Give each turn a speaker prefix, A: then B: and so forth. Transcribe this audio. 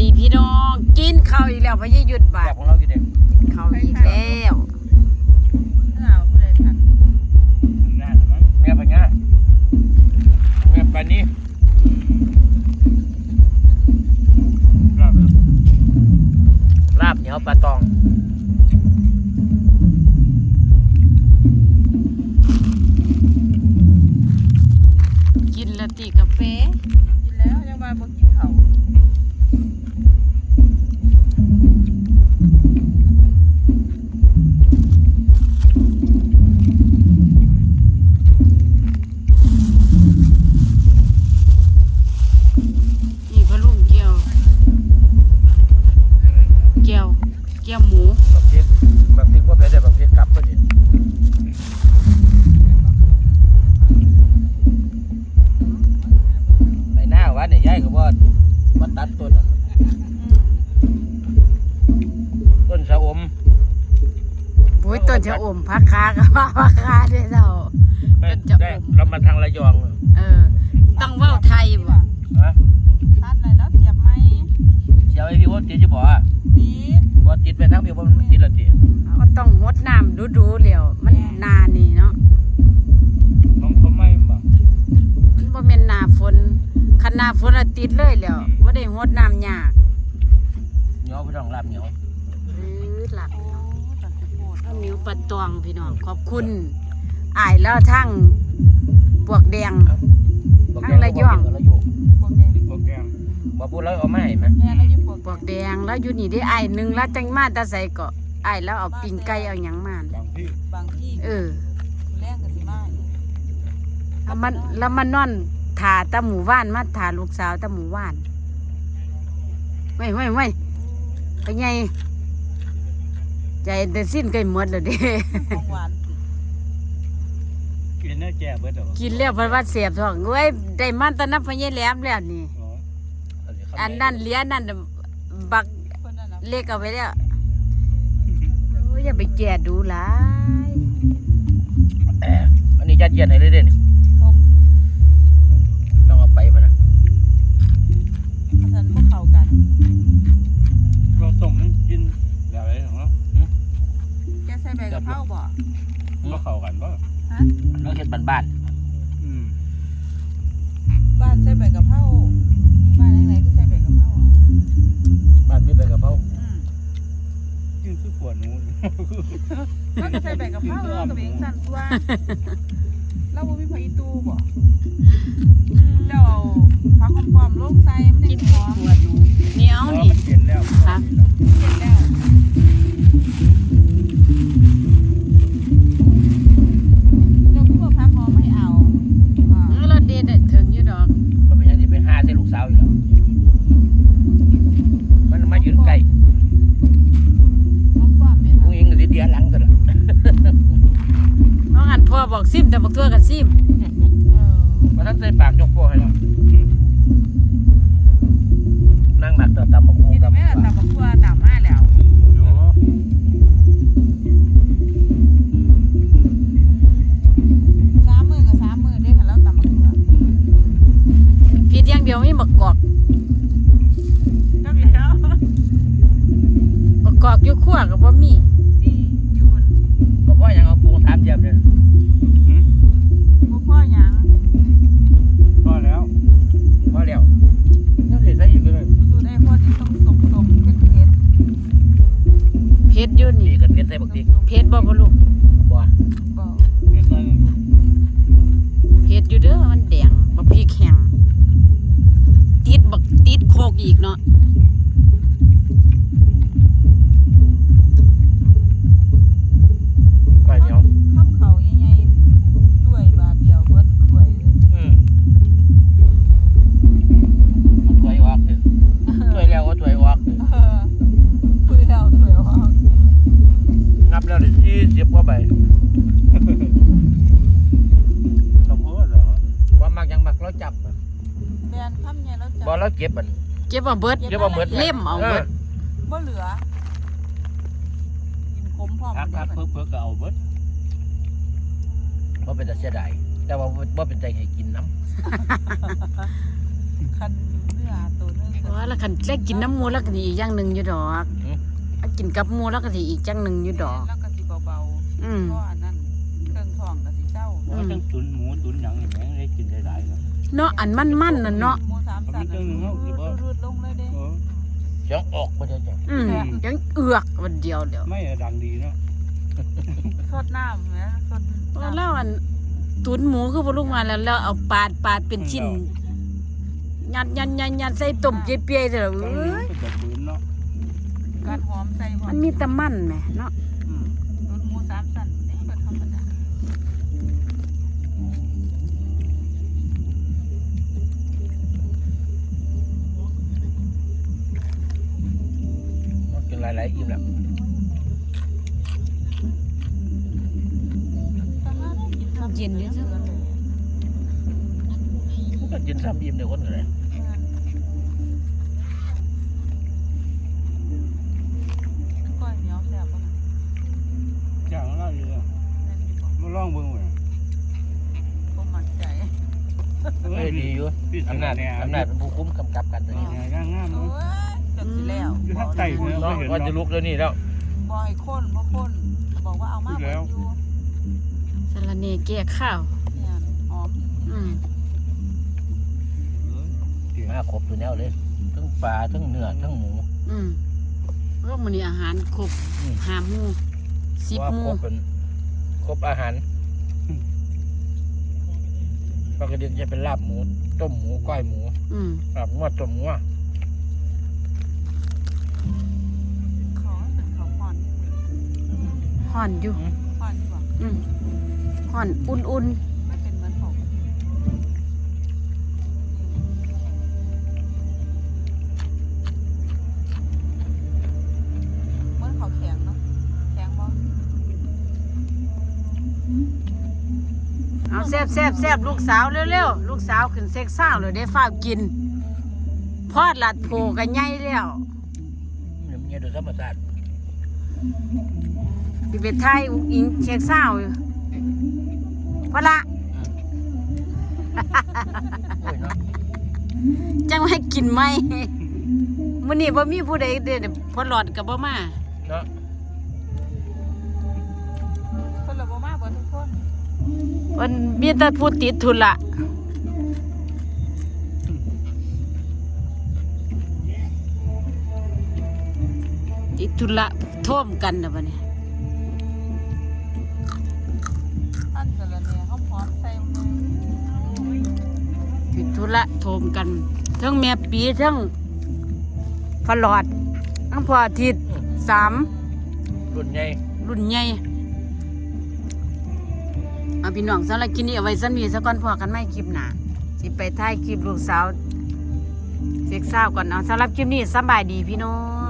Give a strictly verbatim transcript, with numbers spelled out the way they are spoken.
A: ดีพี่น้องกินข้าวอีกแล้วพะยี่หยุดบาด
B: ของเราอยู่เด็ก
A: ข้าวอีกแล้ว
B: แม่ปัญญาแม่ปานี้ลาบเหนียวปลาตอง
A: กินละติกาแฟ
C: กินแล้วยังมาบ่กินเขา
A: นี่พะลุงเกี๊ยวเกี๊ยวเกี๊ยวหมู
B: แบบพริกแบบพริกว่าเป็นแต่แบบพริกกลับก็ดิไปหน้าวัดเนี่ยย้ายก็ว่ามาตัดต้นน่ะต้นชะอม
A: โอ้ยต้นจะอมพักคากับว่าพักคาได้เรา
B: แม่
A: ต้นจะอ
B: ได้
A: ม
B: เรามาทางระยอง
A: เออต้องเว้าไทยบ่
B: ฮะ
C: ตัดอะไรแล้วเสียบไหม
B: เสียวไอ้พี่ว่าติดจะบอกอ่ะ
C: ติด
B: ว่าติดไปทั้งพี่ว่ามันติดและติ
A: ก็ต้องงดน้ำดูๆแล้วมันนานนี่เนาะ
B: น้องเขาไม่บอก
A: มันบ่แม่นหน้าฝนคันหน้าฝนอะติดเลยแล้วบ่ได้งดน้ำยาก
B: เหนียวพี่น้องลาบเหนียว
A: หรือหลัก
C: โอ้ตัดสิโบด
A: ข้าวเหนียวปลาตองพี่น้องขอบคุณอ้ายแล้วทั้งปวกแดง ทางระยอง
B: ระยอง
C: พวกแดง
B: พวกแกงบ่พูดแล้วเอาไม่ให้ไหม
C: แม่แล้วอยู่พวก
A: ปวกแดงแล้วอยู่นี่ได้อ้ายหนึงแล้วจังมาแตาใส่เกาะอ้ายแล้วเอาปิ้งไก่เอาหยังมา
B: บางที่
C: บางที่
A: เออ
C: แรงกันสิมา
A: แล้วมันแล้วมันนอนถ่าตาหมู่บ้านมาถ่าลูกสาวตาหมู่บ้านไว้ไว้ไว้ไปไงใจแต่สิ้นไก่หมดแล้วเด้
C: ของหวาน
B: กินเนื้อแก่เบิดเหรอ
A: กินแล้วเพราะว่าเสียบท้องเว้ยได้มันตอนนั้นพะยายแหลมแล้วนี่อันนั้นเหลี้ยนั่นน่ะบัก
C: เพิ่นนั่นน่ะ
A: เล็กเอาไว้แล้วโอ้ยอย่าไปแก่ดูหลาย
B: อันนี้ยัดเยียดให้เลยเด่น
C: ต้ม
B: ต้องเอาไปพะนะ
C: เพราะฉะนั้นบ่เข้ากัน
B: เราต้มมันกินแบบไรของเรา
C: แกใส่ใบกะเพราบ่
B: เราเข้ากันป่ะ
C: ฮะ
B: เราเฮ็ดบ้าน
C: บ้านใส่ใบกะเพราบ้านไหนๆที่ใส่ใบกะเพราอ่ะ
B: ๆบ้านมีใบกะเพรา
C: อืม
B: กินคือขวดนู้น
C: แล้วก็ใส่ใบกะเพราแล้วก็เบงสั่นตัวแล้วบ่มีผักอีตูบ่เจ้าเอาผักหอมปลอมลงใส่มัน
A: กิ
C: ได้
A: น
C: หอม
A: ขวดหนูเหนียวนี่
B: เย็นแล้ว
A: ครับ
C: เสร็จแล้วเจ้าคือว่าผักหอมไม่เอาอ่า
A: เออเราเด็ดถึงอยู่ดอก
B: มันเป็นยังที่ไปหาใส่ลูกสาวอยู่แล้วมันมายืนใกล้
C: หอมปลอมไหม
B: ผู้
C: คะ
B: หญิงก็สิเดียหลังตัวละ
A: เพราะงั้นพ่อบอกซิมแต่บอกตัวกันซิม
C: เออ
B: มาทันใส่ปากยกโป้ให้เรานั่งหมักต่อตำบักหุ่ง
C: กิน
B: ตำ
C: แม่
B: บัก
C: ตำบักทั่วตำมาแล้วสามมือกับสามมือได้ค่ะแล้วตำบักทั่ว
A: ผิดอย่างเดียวไม่บักกอก
C: ก็มีแล้ว
A: บักกอกอยู่ขั้วกับบ่มี
C: นี่อยู่บน
B: เพราะว่ายังเอาปูถามเจ็บเนี่ย
C: บ่พ่อหยัง
B: พอแล้วพอแล้วยังสิใส่อีกเลย
C: สูตรไอ้พ่อนี่ต้องสมสมเผ็ดเผ็ด
A: เพชรอยู่
B: นี่
A: นี่
B: กันเป็นใส่บักพริก
A: เพชรบ่พ่อลูก
B: บ่
C: บ่
A: เพชรอยู่เด้อมันแดงบักพริกแห้งติดบักติดโคกอีกเนาะ
B: ไปเหนียว
C: ข้าวเขาใหญ่ๆถ้วยบาทเดียวเบิดถ้วยเลย
B: อืมเอาถ้วยออกเถอะถ้วยแล้วก็ถ้วยออกเถอะ
C: เออคุยแล้วถ้วยออก
B: นับแล้วได้ยี่สิบกว่าใบสมมติเหรอว่ามักยังมักเราจับอะ
C: แบนคำใหญ่แล้วจ้ะ
B: บ่เราเก็บมัน
A: เก็บเอาเบิด
B: เก็บเอาหมด
A: เล่มเอาเบิด
C: บ่เหลือกินขมพร้อม
B: พักพัก
C: เบิ
B: เพิ่
C: ด
B: มเพิ่มก็เอาเบิดเพราะเป็นแต่เสียดายแต่ว่าบ่เป็นใจให้กินน้
C: คันเนื้อนื้อตัวนึง
A: เพราะว่าแล้วคันแล้วกินน้ำหมูแล้วก็สิอีกอย่างหนึงอยู่ดอกถ้ากินกับหมูแล้วก็สิอีกอย่างหนึงอยู่ดอก
C: แล้วก็สิเบา
A: อืม
C: ๆเพราะอันนั้นเครื่องท้องก็สิเจ้า
B: เพราะว่าทั้งตุนหมูตุนหยังนี่แม่งได้กินได้หลายเนาะ
A: เนาะอันมันๆน่ะเนาะ
C: หมูสามสันรูดลงเลยเด้
B: เออ
D: จังออกบ่ได้จัง
A: อืมยังเอือกวันเดียวเดียว
B: ไม่ดังดีเนาะ
C: สดน้ำนะสด
A: เพราะแล้วอันตุนหมูคือบ่ลูกมาแล้วแล้วเอาปาดปาดเป็นชิ้นยัดยัดยัดยัดใส่ต้มเปียๆเด้อ
B: ตอน
A: เอ้
B: นี้
A: ย
B: ก็จะปืนเนาะ
C: การหอมใส่
A: มันมีแต่มันแหมเนาะ
B: อืม
C: รูดหมูสามสันนี่ก็ธรรมดา
D: กินหลายๆอิ่มแล้ว
A: เย็นอยู่ซื่อ
D: ก็กินซ้ำอิ่มเดี๋ยวคนก็ได้
C: ก้อยเหนียวแซ่บป่ะ
B: จ้างเราอยู่เนาะ
C: นั่นอยู่บ่
B: มาลองเบิ่งเว้ย
C: บ่มั่นใจ
B: เอ
D: เอ้
B: อย
D: ดีอยู่
B: พี่
D: อำนาจ
B: เนี่ย
D: อำนาจเป็นผู้คุมกำกับกันตัวนี้
B: งามงาม
C: โอ้ยจนสิแล้ว
B: อยู่ทางใต้เนี่ย
D: เนาะว่าจะลุกแล้วนี่แล้ว
C: บ่ให้ข้นบ่ข้นบอกว่าเอามาเบิดอยู่
A: สะระเนแก้ข้าว
C: เนี่ยหอม
A: อืม
D: มาครบตัวแนวเลยทั้งปลาทั้งเนื้อทั้งหมู
A: อืมแล้วมื้อนี้อาหารครบ
D: อืม
A: ห้าหมู่สิบ
D: ว่า
A: หมู่
D: ครบเป็นครบอาหารปกติจะเป็นลาบหมูต้มหมูก้อยหมู
A: อืม
D: ลาบหมูต้มหมู
C: ขอเป็นข้าวห่อน
A: ห่อนอยู่
C: ห่อนดีกว่า
A: อืมห่อนอุ่น
C: ไม่เป็นเหมือนผมเหมือนข้าวแข็งเนาะแข็งบ่
A: ๆเอาแซ่บแซ่บแซ่บลูกสาวเร็วๆลูกสาวขึ้นเซ็กซ่าวเลยได้ฟ้าวกินพอดลัดโผกันใหญ่แล้ว
D: เนี่ยมันโดยธรรมชาติ
A: สิไปไทยอุ้งอิงเซ็กซ่าวอยู่พอละ
D: โอ้ยเนาะ
A: จังให้กินไหมมื้อนี้บ่มีผู้ใดเด้อพอหลอดก็บ่มา
D: เนาะ
C: คนละบ่มาเบิดทุกคน
A: มันมีแต่ผู้ติดทุนละติดทุนละท่วมกันนะบัดนี้
C: อันสะระแหน่หอมๆใส่ลงเลย
A: ติดทุนละท่วมกันทั้งแม่ปีทั้งพอหลอดทั้งพออาทิตย์สาม
D: รุ่นใหญ่
A: รุ่นใหญ่เอาพี่น้องสำหรับกินนี้เอาไว้สันมีสักก่อนพอกันไม่คลิปหนาสิไปถ่ายคลิปลูกสาวเซ็กซ่าวก่อนเอาสำหรับคลิปนี้สำบายดีพี่น้อง